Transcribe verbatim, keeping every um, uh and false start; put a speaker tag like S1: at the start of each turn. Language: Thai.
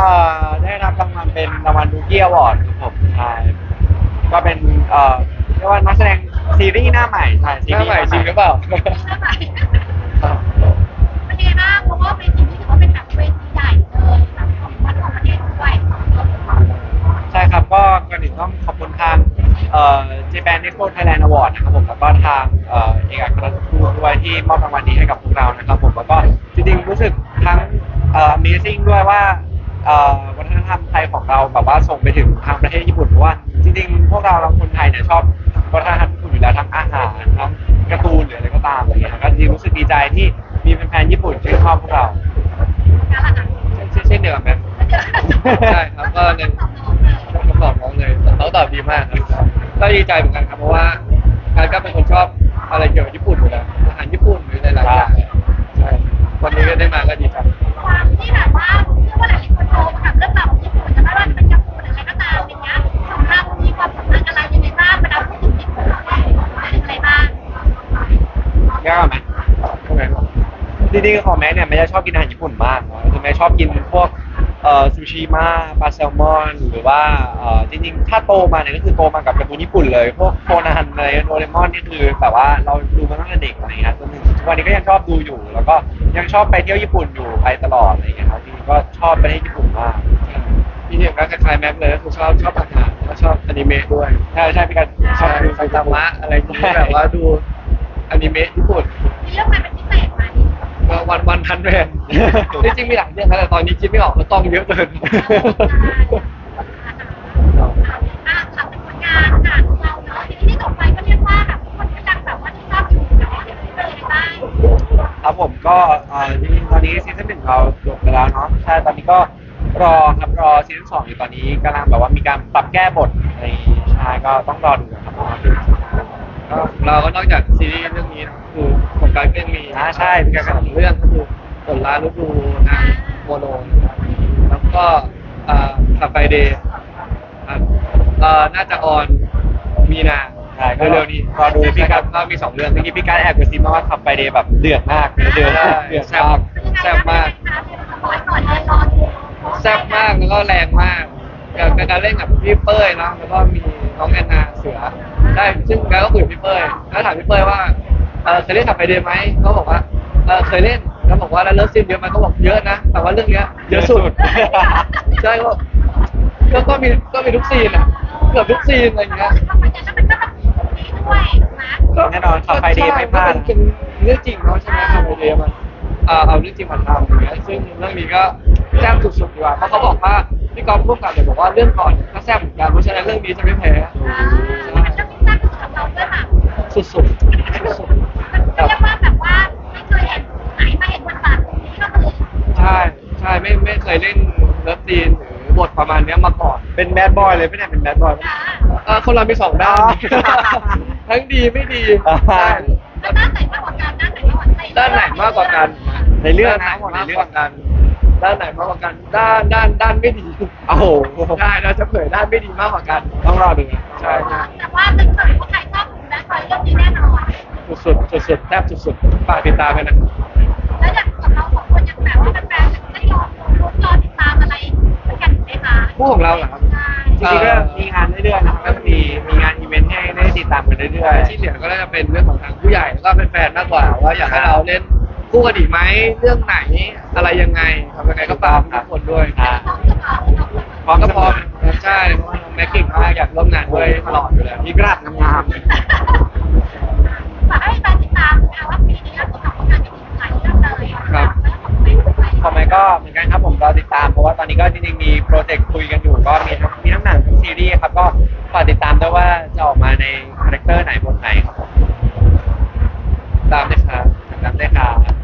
S1: อได้รับรางวัลเป็นรางวัลดูกี้อวอร์ดครับผมใช่ก็เป็นเอ่อเรียกว่านักแสดงซีรีส์หน้าใหม่ใช่ซี
S2: หน้า
S1: รีส์
S2: ใหม่จริงหรือเปล่าครับ
S3: เป็นยังไงบ้างเพราะว่าเวทีนี้ถือว่าเป็นแบบเวทีใหญ่เลยแบบของวัดของประเทศด้วย
S1: ใช่ครับก็ก่อนอื่นต้องขอบคุณทางเอ่อ Japan Expo Thailand Award นะครับผมแล้วก็ทางเอ่อเอกอัครราชทูตด้วยที่มอบรางวัลนี้ให้กับพวกเรานะครับผมแล้วก็จริงๆรู้สึกทั้งเอ่อ Amazing ด้วยว่าเอ่อวัฒนธรรมไทยของเราแบบว่าส่งไปถึงทางประเทศญี่ปุ่นเพราะว่าจริงๆพวกเราเราคนไทยเนี่ยชอบวัฒนธรรมญี่ปุ่นอยู่แล้วทั้งอาหารทั้งการ์ตูนหรืออะไรก็ตามอะไรเงี้ยก็จริงๆรู้สึกดีใจที่มีแฟนๆญี่ปุ่นชื่นชอบพวกเรา
S3: การละอ่ะ
S2: เช่นเช่นเดียวกันไหมใช่ครับก็ในคำตอบน้องเลยน้องตอบดีมากครับก็ดีใจเหมือนกันครับเพราะว่าการก็เป็นคนชอบอะไรเกี่ยวกับญี่ปุ่นอยู่แล้วอาหารญี่ปุ่นหรือหลายๆอย่างใช่วันนี้ก็ได้มาก็ดีใจ
S3: ความที่แบบว่าเชื่อว่าหลายคนโตมากับเรื่องราวของญี่ปุ่นจะไม่ว่าจะเป็นญี่ปุ่นหรืออะไรก็ตามอย่างเงี้ยของเรามีความสำคัญอะไรยังไงบ้างเวลาพูดถึงญี่ปุ่นเราเนี่ยเป็นอะไรบ้าง
S1: ยากไหม
S2: ทำไมครับ
S1: จริงๆของแม่เนี่ยแม่จะชอบกินอาหารญี่ปุ่นมากเนาะคือแม่ชอบกินพวกเอ่อซูชิมะปลาแซลมอนหรือว่าเอ่อจริงๆถ้าโตมาเนี่ยก็คือโตมากับการ์ตูนญี่ปุ่นเลยพวกโคนันอะไรโดเรมอนนี่คือแบบว่าเราดูมาตั้งแต่เด็กอะไรเงี้ยจนถึงทุกวันนี้ก็ยังชอบดูอยู่ แล้วก็ยังชอบไปเที่ยวญี่ปุ่นอยู่ไปตลอดอะไรเงี้ยครับจริงๆก็ชอบประเทศญี่ปุ่นมาก
S2: พี่เทียมก็คล้ายๆแม็กเลยก็คือชอบชอบอาหารแล้วก็ชอบอนิเมะด้วย
S1: ใช่ใช่พี่กันช
S2: ช
S1: อ
S2: อ
S1: บบ ดู
S2: ดูไซตามะอะไรที่แบบว่าดูอนิเมะญี่ปุ่น
S3: มีเรื่องอะไรเป็นพิเศษไหม
S2: วันวันพันแมนจริงๆมีหลายเรื่องครับแต่ตอนนี้คิดไม่ออกเพราะต้องเยอะเกิน
S3: อ่าทำเป็นผลงานค่ะเราเนาะทีนี้ที่ต่อไปก็เรียกว่าแบบคนกำลังแบบว่าที่ชอบอยู่เนาะเป็นอะไรบ้าง
S1: ครับผมก็เอ่อจริงๆตอนนี้ซีซั่นหนึ่งเราจบไปแล้วเนาะใช่ตอนนี้ก็รอครับรอซีซั่นสองอยู่ตอนนี้กำลังแบบว่ามีการปรับแก้บทในใช่ก็ต้องรอดูนะครับรอดู
S2: ก็เราก็นอกจากซีรีส์เรื่องนี้นะคือของการก็ยังมี
S1: อ่าใช่มีการ
S2: สองเรื่องก็คือผลลาลูกดูนางโมโนนะครับแล้วก็อ่าขับไฟเดย์ครับเอ่อน่าจะออนมีนา
S1: ใช่ก็
S2: เร็วๆนี้
S1: รอดูพี่
S2: พี่
S1: กั
S2: กับ นก็มีสองเรื่อง
S1: เมื่อกี้พี่การแอบกระซิบมาว่าขับไปเดย์แบบเดือดมากเนื้อเดือด
S2: ใช่
S1: เดือด
S2: แซ่บ
S1: มาก
S2: แซ่บมาก
S3: สปอยก่อนเลยรอดู
S2: แซ่บมากแล้วก็แรงมากกับการเล่นกับพี่เป้ยนะแล้วก็มีน้องแอนนาเสือได้ซึ่งการก็คุยกับพี่เป้ยแล้วถามพี่เป้ยว่าเออเคยเล่นขับไปเดย์ไหมเขาบอกว่าเออเคยเล่นแล้วบอกว่าแล้วเลิฟซีนเยอะไหมเขาบอกเยอะนะแต่ว่าเรื่องเนี้ยเยอะสุด ใช่ก็ก็ก็มีก็มีทุกซีนอ่ะเกือบทุกซีนอะไรเงี้ย
S3: ทำไมจะเป็นก็แบบนี้ด้วยนะ
S1: แน่นอนขับไปเดย์ไม่พลาด
S2: ก็เป็นเรื่องจริงเนาะใช่ไหมขับไปเดย์มันอ่าเอาเรื่องจริงมาทำอย่างเงี้ยซึ่งเรื่องนี้ก็แซ่บสุดๆดีกว่าเพราะเขาบอกว่าพี่กอล์ฟร่วมกันเลยบอกว่าเรื่องก่อนก็แซ่บเหมือนกันเพราะฉะนั้นเรื่องนี้จะไม่แพ้
S3: อ่าเป็นเรื่องที่สร้างสำหรับเราด้วยค่ะ
S2: สุดๆสุด
S3: เรียกว่าแบบว่าไม่เคยเห็นไหนมาเห็นบทบาทนี้ก็คือ
S2: ๆใช่ใช่ไม่ไม่เคยเล่นเลิฟซีนหรือบทประมาณเนี้ยมาก่อน
S1: เป็นแบดบอยเลยไม่ได้เป็นแบดบอย
S3: อ่า
S2: เออคนเรามีสองด้าน ทั้งดีไม่ดี
S1: อ่า
S2: ใช่
S3: แล้วด้านไหนมากกว่ากันด้านไหนมากกว่ากัน
S2: ด้านไหนมากกว่ากัน
S1: ในเรื่องนะ
S2: ด้าน
S1: หมด
S2: ไหน
S1: ใน
S2: มาก
S1: เรื่
S2: ก
S1: อง
S2: ว่ากัน ด้านไหนมากกว่ากัน ด้านด้านด้านไม่ดี
S1: โอ้โห
S2: ใช่เราจะเผยด้านไม่ดีมากกว่ากัน
S1: ต้องรอดูนะ
S2: ใช่ใช่
S3: แต่ว่าเป็นคนที่ใครชอบดูแลคอยเรื่องนี้แน่นอน
S2: สุดสุดสุดๆแทบสุดๆฝากติดตามไปนะ
S3: แล้วอย่างกับเราสองคนยังแบบว่าแฟนๆได้รอดูรอติดตามอะไรเหมือนกันไหมคะ
S2: คู่ของเราเหรอครับ
S3: ใช่
S1: จริงๆก็มีงานเรื่อยๆนะครับก็มีมีงานอีเวนต์ให้ได้ติดตามกันเรื่อยๆ
S2: ที่เหลือก็น่าจะเป็นเรื่องของทางผู้ใหญ่แล้วก็เป็นแฟนมากกว่าว่าอยากให้เราเล่นคู่กันอีกไหมเรื่องไหนอะไรยังไงทำยังไงก็ฝากทุกคนด้วย
S1: อ่า
S3: พร้อมจะบอก
S1: พร้อม
S2: ก็พร้อมใช่เพราะว่าน้องแม็กกิ้งมากอยากร่วมงานด้วยตลอดอยู่แล้ว
S1: มีกระดาษงาม
S3: ฝากให้แฟนติดตามนะคะว่าปีนี้เราจะทำผลงานที่ดีหลายเรื่องเลย
S2: ครับ
S3: แล้วของไม่ด้วย
S1: ๆของแม่ก็เหมือนกันครับผมรอติดตามเพราะว่าตอนนี้ก็จริงๆมีโปรเจกต์คุยกันอยู่ก็มีทั้งมีทั้งหนังทั้งซีรีส์ครับก็ฝากติดตามด้วยว่าจะออกมาในคาแรคเตอร์ไหนบทไหนครับผม
S2: ตามเลยครับ
S1: ติดตามด้วยครับ